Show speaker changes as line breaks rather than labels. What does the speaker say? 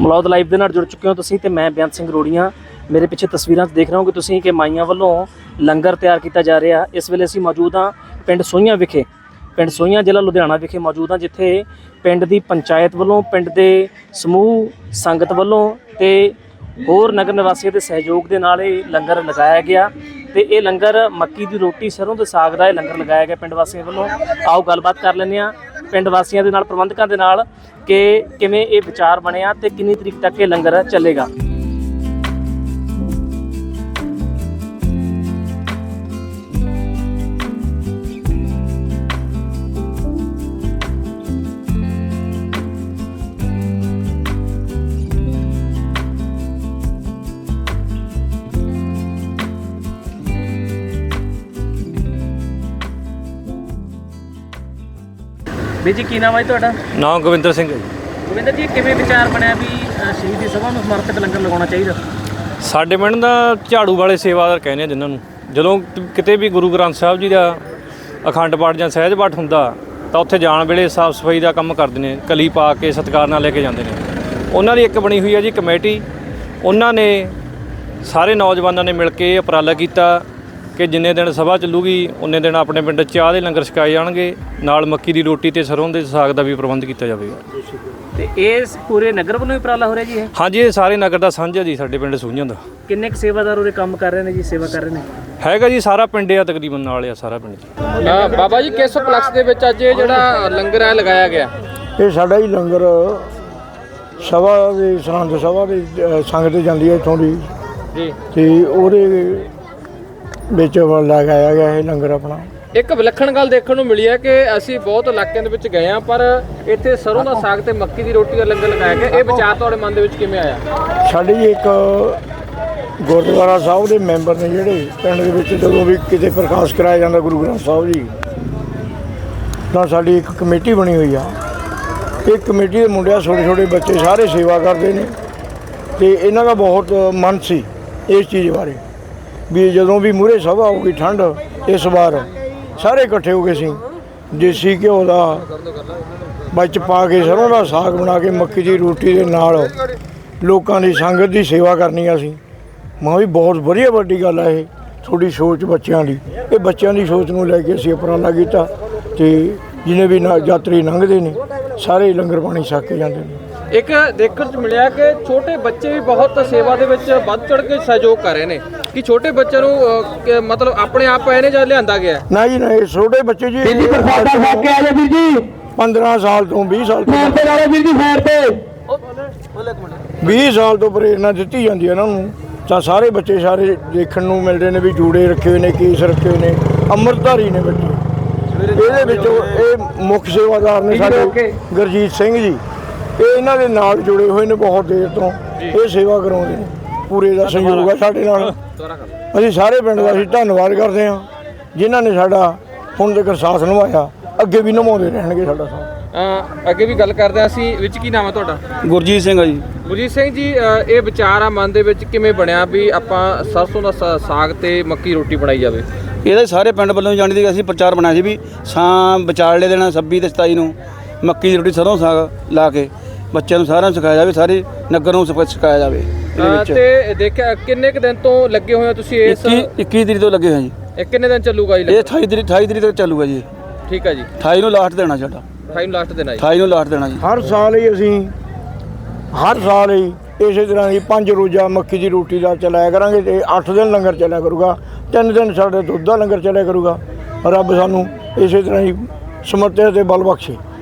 Malaud live ਦੇ ਨਾਲ ਜੁੜ ਚੁੱਕੇ ਹੋ ਤੁਸੀਂ ਤੇ ਮੈਂ ਬੇਅੰਤ ਸਿੰਘ ਰੋੜੀਆਂ। ਮੇਰੇ ਪਿੱਛੇ ਤਸਵੀਰਾਂ 'ਚ ਦੇਖ ਰਹੇ ਹੋ ਕਿ ਤੁਸੀਂ ਕਿ ਮਾਈਆਂ ਵੱਲੋਂ ਲੰਗਰ ਤਿਆਰ ਕੀਤਾ ਜਾ ਰਿਹਾ। ਇਸ ਵੇਲੇ ਅਸੀਂ ਮੌਜੂਦ ਹਾਂ ਪਿੰਡ ਸੋਹੀਆਂ ਵਿਖੇ, ਪਿੰਡ ਸੋਹੀਆਂ ਜ਼ਿਲ੍ਹਾ ਲੁਧਿਆਣਾ ਵਿਖੇ ਮੌਜੂਦ ਹਾਂ, ਜਿੱਥੇ ਪਿੰਡ ਦੀ ਪੰਚਾਇਤ ਵੱਲੋਂ, ਪਿੰਡ ਦੇ ਸਮੂਹ ਸੰਗਤ ਵੱਲੋਂ ਤੇ ਹੋਰ ਨਗਰ ਨਿਵਾਸੀਆਂ ਦੇ ਸਹਿਯੋਗ ਦੇ ਨਾਲ ਇਹ ਲੰਗਰ ਲਗਾਇਆ ਗਿਆ। ਤੇ ਇਹ ਲੰਗਰ ਮੱਕੀ ਦੀ ਰੋਟੀ ਸਰੋਂ ਦੇ ਸਾਗ ਦਾ ਇਹ ਲੰਗਰ ਲਗਾਇਆ ਗਿਆ ਪਿੰਡ ਵਾਸੀਆਂ ਵੱਲੋਂ। ਆਓ ਗੱਲਬਾਤ ਕਰ ਲੈਂਦੇ ਹਾਂ ਪਿੰਡ ਵਾਸੀਆਂ ਦੇ ਨਾਲ, ਪ੍ਰਬੰਧਕਾਂ ਦੇ ਨਾਲ, ਕਿ ਕਿਵੇਂ ਇਹ ਵਿਚਾਰ ਬਣਿਆ ਤੇ ਕਿੰਨੀ ਤਰੀਕ ਤੱਕ ਇਹ ਲੰਗਰ ਚੱਲੇਗਾ। ਵੀਰ ਜੀ ਕੀ ਨਾਮ ਹੈ ਤੁਹਾਡਾ?
ਨਾਮ ਗੋਬਿੰਦਰ ਸਿੰਘ ਹੈ ਜੀ।
ਗੋਬਿੰਦਰ ਜੀ, ਕਿਵੇਂ ਵਿਚਾਰ ਬਣਿਆ ਵੀ ਸ਼ਹੀਦੀ ਸਭਾ ਨੂੰ ਸਮਰਪਿਤ ਲੰਗਰ ਲਗਾਉਣਾ ਚਾਹੀਦਾ?
ਸਾਡੇ ਪਿੰਡ ਦਾ ਝਾੜੂ ਵਾਲੇ ਸੇਵਾਦਾਰ ਕਹਿੰਦੇ ਆ ਜਿਨ੍ਹਾਂ ਨੂੰ, ਜਦੋਂ ਕਿਤੇ ਵੀ ਗੁਰੂ ਗ੍ਰੰਥ ਸਾਹਿਬ ਜੀ ਦਾ ਅਖੰਡ ਪਾਠ ਜਾਂ ਸਹਿਜ ਪਾਠ ਹੁੰਦਾ ਤਾਂ ਉੱਥੇ ਜਾਣ ਵੇਲੇ ਸਾਫ਼ ਸਫਾਈ ਦਾ ਕੰਮ ਕਰਦੇ ਨੇ, ਕਲੀ ਪਾ ਕੇ ਸਤਿਕਾਰ ਨਾਲ ਲੈ ਕੇ ਜਾਂਦੇ ਨੇ। ਉਹਨਾਂ ਦੀ ਇੱਕ ਬਣੀ ਹੋਈ ਹੈ ਜੀ ਕਮੇਟੀ। ਉਹਨਾਂ ਨੇ ਸਾਰੇ ਨੌਜਵਾਨਾਂ ਨੇ ਮਿਲ ਕੇ ਉਪਰਾਲਾ ਕੀਤਾ ਕਿ ਜਿੰਨੇ ਦਿਨ ਸਭਾ ਚੱਲੂਗੀ ਉਨੇ ਦਿਨ ਆਪਣੇ ਪਿੰਡ ਚਾਹ ਦੇ ਲੰਗਰ ਛਕਾਏ ਜਾਣਗੇ, ਨਾਲ ਮੱਕੀ ਦੀ ਰੋਟੀ ਤੇ ਸਰੋਂ ਦੇ ਸਾਗ ਦਾ ਵੀ ਪ੍ਰਬੰਧ ਕੀਤਾ ਜਾਵੇਗਾ।
ਤੇ ਇਹ ਪੂਰੇ ਨਗਰ ਵੱਲੋਂ ਹੀ ਉਪਰਾਲਾ ਹੋ ਰਿਹਾ ਜੀ? ਇਹ
ਹਾਂਜੀ, ਇਹ ਸਾਰੇ ਨਗਰ ਦਾ ਸਾਂਝਾ ਜੀ ਸਾਡੇ ਪਿੰਡ ਸੋਹੀਆਂ ਦਾ।
ਕਿੰਨੇ ਕੁ ਸੇਵਾਦਾਰ ਉਹਦੇ ਕੰਮ ਕਰ ਰਹੇ ਨੇ ਜੀ, ਸੇਵਾ ਕਰ ਰਹੇ ਨੇ?
ਹੈਗਾ ਜੀ ਸਾਰਾ ਪਿੰਡ ਆ, ਤਕਰੀਬਨ ਨਾਲ ਆ ਸਾਰਾ ਪਿੰਡ ਜੀ।
ਬਾਬਾ ਜੀ ਕਿਸ ਉਪਲਕਸ਼ ਦੇ ਵਿੱਚ ਅੱਜ ਇਹ ਜਿਹੜਾ ਲੰਗਰ ਹੈ ਲਗਾਇਆ ਗਿਆ?
ਇਹ ਸਾਡਾ ਹੀ ਲੰਗਰ ਸਭਾ ਦੇ ਸਰਹੰਦ ਸਭਾ ਦੇ ਸੰਗਤ ਜਾਂਦੀ ਹੈ ਇੱਥੋਂ ਦੀ
ਜੀ,
ਤੇ ਉਹਦੇ ਵਿੱਚ ਲਗਾਇਆ ਗਿਆ ਇਹ ਲੰਗਰ ਆਪਣਾ।
ਇੱਕ ਵਿਲੱਖਣ ਗੱਲ ਦੇਖਣ ਨੂੰ ਮਿਲੀ ਹੈ ਕਿ ਅਸੀਂ ਬਹੁਤ ਇਲਾਕਿਆਂ ਦੇ ਵਿੱਚ ਗਏ ਹਾਂ, ਪਰ ਇੱਥੇ ਸਰੋਂ ਦਾ ਸਾਗ ਤੇ ਮੱਕੀ ਦੀ ਰੋਟੀ ਦਾ ਲੰਗਰ ਲਗਾਇਆ ਗਿਆ। ਇਹ ਵਿਚਾਰ ਤੁਹਾਡੇ ਮਨ ਦੇ ਵਿੱਚ ਕਿਵੇਂ ਆਇਆ?
ਸਾਡੀ ਇੱਕ ਗੁਰਦੁਆਰਾ ਸਾਹਿਬ ਦੇ ਮੈਂਬਰ ਨੇ ਜਿਹੜੇ ਪਿੰਡ ਦੇ ਵਿੱਚ, ਜਦੋਂ ਵੀ ਕਿਤੇ ਪ੍ਰਕਾਸ਼ ਕਰਾਇਆ ਜਾਂਦਾ ਗੁਰੂ ਗ੍ਰੰਥ ਸਾਹਿਬ ਜੀ, ਤਾਂ ਸਾਡੀ ਇੱਕ ਕਮੇਟੀ ਬਣੀ ਹੋਈ ਆ। ਇਹ ਕਮੇਟੀ ਦੇ ਮੁੰਡਿਆਂ, ਛੋਟੇ ਛੋਟੇ ਬੱਚੇ ਸਾਰੇ ਸੇਵਾ ਕਰਦੇ ਨੇ, ਤੇ ਇਹਨਾਂ ਦਾ ਬਹੁਤ ਮਨ ਸੀ ਇਸ ਚੀਜ਼ ਬਾਰੇ ਵੀ ਜਦੋਂ ਵੀ ਮੂਹਰੇ ਸਭਾ ਹੋਊਗੀ ਠੰਡ, ਇਸ ਵਾਰ ਸਾਰੇ ਇਕੱਠੇ ਹੋ ਕੇ ਸੀ ਦੇਸੀ ਘਿਓ ਦਾ ਵਿੱਚ ਪਾ ਕੇ ਸਰੋਂ ਦਾ ਸਾਗ ਬਣਾ ਕੇ ਮੱਕੀ ਦੀ ਰੋਟੀ ਦੇ ਨਾਲ ਲੋਕਾਂ ਦੀ ਸੰਗਤ ਦੀ ਸੇਵਾ ਕਰਨੀ ਆ। ਅਸੀਂ ਮੈਂ ਵੀ ਬਹੁਤ ਵਧੀਆ ਵੱਡੀ ਗੱਲ ਆ ਇਹ ਤੁਹਾਡੀ ਸੋਚ ਬੱਚਿਆਂ ਦੀ। ਇਹ ਬੱਚਿਆਂ ਦੀ ਸੋਚ ਨੂੰ ਲੈ ਕੇ ਅਸੀਂ ਉਪਰਾਲਾ ਕੀਤਾ, ਤੇ ਜਿਹਨੇ ਵੀ ਯਾਤਰੀ ਲੰਘਦੇ ਨੇ ਸਾਰੇ ਲੰਗਰ ਪਾਣੀ ਛਕ ਕੇ ਜਾਂਦੇ ਨੇ।
ਇੱਕ ਦੇਖਣ 'ਚ ਮਿਲਿਆ ਕਿ ਛੋਟੇ ਬੱਚੇ ਵੀ ਬਹੁਤ ਸੇਵਾ ਦੇ ਵਿੱਚ ਵੱਧ ਚੜ੍ਹ ਕੇ ਸਹਿਯੋਗ ਕਰ ਰਹੇ ਨੇ। ਕਿ ਛੋਟੇ ਬੱਚਿਆਂ ਨੂੰ ਮਤਲਬ ਆਪਣੇ ਆਪ ਆਏ ਨੇ ਜਾਂ ਲਿਆਂਦਾ ਗਿਆ?
ਨਾ ਜੀ, ਨਾ, ਛੋਟੇ ਬੱਚੇ ਜੀ 15 ਸਾਲ ਤੋਂ 20 ਸਾਲ ਤੋਂ 20 ਸਾਲ ਤੋਂ ਪ੍ਰੇਰਨਾ ਦਿੱਤੀ ਜਾਂਦੀ ਹੈ ਇਹਨਾਂ ਨੂੰ। ਤਾਂ ਸਾਰੇ ਬੱਚੇ ਸਾਰੇ ਦੇਖਣ ਨੂੰ ਮਿਲਦੇ ਨੇ ਵੀ ਜੂੜੇ ਰੱਖੇ ਹੋਏ ਨੇ, ਕੇਸ ਰੱਖੇ ਹੋਏ ਨੇ, ਅੰਮ੍ਰਿਤਧਾਰੀ ਨੇ ਬੱਚੇ। ਇਹਦੇ ਵਿੱਚੋਂ ਇਹ ਮੁੱਖ ਸੇਵਾਦਾਰ ਨੇ ਸਾਡੇ ਗੁਰਜੀਤ ਸਿੰਘ ਜੀ। ਇਹ ਇਹਨਾਂ ਦੇ ਨਾਲ ਜੁੜੇ ਹੋਏ ਨੇ ਬਹੁਤ ਦੇਰ ਤੋਂ, ਇਹ ਸੇਵਾ ਕਰਾਉਂਦੇ ਨੇ। ਪੂਰੇ ਦਾ ਸਹਿਯੋਗ ਹੈ ਸਾਡੇ ਨਾਲ। ਅਸੀਂ ਸਾਰੇ ਪਿੰਡ ਦਾ ਅਸੀਂ ਧੰਨਵਾਦ ਕਰਦੇ ਹਾਂ ਜਿਨ੍ਹਾਂ ਨੇ ਸਾਡਾ ਹੁਣ ਤੱਕ ਸਾਥ ਨਿਭਾਇਆ, ਅੱਗੇ ਵੀ ਨਿਭਾਉਂਦੇ ਰਹਿਣਗੇ ਸਾਡਾ ਸਾਥ।
ਅੱਗੇ ਵੀ ਗੱਲ ਕਰਦੇ ਹਾਂ ਅਸੀਂ। ਵਿੱਚ ਕੀ ਨਾਮ ਹੈ ਤੁਹਾਡਾ?
ਗੁਰਜੀਤ ਸਿੰਘ ਆ ਜੀ।
ਗੁਰਜੀਤ ਸਿੰਘ ਜੀ, ਇਹ ਵਿਚਾਰ ਆ ਮਨ ਦੇ ਵਿੱਚ ਕਿਵੇਂ ਬਣਿਆ ਵੀ ਆਪਾਂ ਸਰਸੋਂ ਦਾ ਸਾਗ ਤੇ ਮੱਕੀ ਰੋਟੀ ਬਣਾਈ ਜਾਵੇ?
ਇਹਦੇ ਸਾਰੇ ਪਿੰਡ ਵੱਲੋਂ ਜਾਣੀ ਦੀ ਅਸੀਂ ਪ੍ਰਚਾਰ ਬਣਾਇਆ ਸੀ ਵੀ ਵਿਚਾਲੇ ਦੇਣਾ 26 ਤੇ 27 ਨੂੰ ਮੱਕੀ ਦੀ ਰੋਟੀ ਸਰੋਂ ਸਾਗ ਲਾ ਕੇ ਬੱਚਿਆਂ ਨੂੰ ਸਾਰਿਆਂ ਨੂੰ ਸਿਖਾਇਆ ਜਾਵੇ, ਸਾਰੇ ਨਗਰ ਨੂੰ ਸਿਖਾਇਆ ਜਾਵੇ।
ਤੇ ਦੇਖਿਆ ਕਿੰਨੇ ਕੁ ਦਿਨ ਤੋਂ ਲੱਗੇ ਹੋਏ ਹੋ ਤੁਸੀਂ ਇਸ?
21 ਤਰੀਕ ਤੋਂ ਲੱਗੇ ਹੋਏ ਜੀ।
ਇਹ ਕਿੰਨੇ ਦਿਨ ਚੱਲੂਗਾ ਜੀ?
ਇਹ 28 ਤਰੀਕ ਤੱਕ ਚੱਲੂਗਾ ਜੀ।
ਠੀਕ ਹੈ ਜੀ।
28 ਨੂੰ ਲਾਸਟ ਦੇਣਾ ਸਾਡਾ।
28 ਨੂੰ ਲਾਸਟ ਦੇਣਾ ਜੀ।
28 ਨੂੰ ਲਾਸਟ ਦੇਣਾ ਜੀ।
ਹਰ ਸਾਲ ਹੀ ਅਸੀਂ ਇਸੇ ਤਰ੍ਹਾਂ ਹੀ 5 ਰੋਜ਼ਾ ਮੱਕੀ ਦੀ ਰੋਟੀ ਦਾ ਚਲਾਇਆ ਕਰਾਂਗੇ, ਤੇ 8 ਦਿਨ ਲੰਗਰ ਚੱਲਿਆ ਕਰੂਗਾ। 3 ਦਿਨ ਸਾਡੇ ਦੁੱਧ ਦਾ ਲੰਗਰ ਚੱਲਿਆ ਕਰੂਗਾ। ਰੱਬ ਸਾਨੂੰ ਇਸੇ ਤਰ੍ਹਾਂ ਹੀ ਸਮਰਥ ਤੇ ਬਲ ਬਖਸ਼ੇ।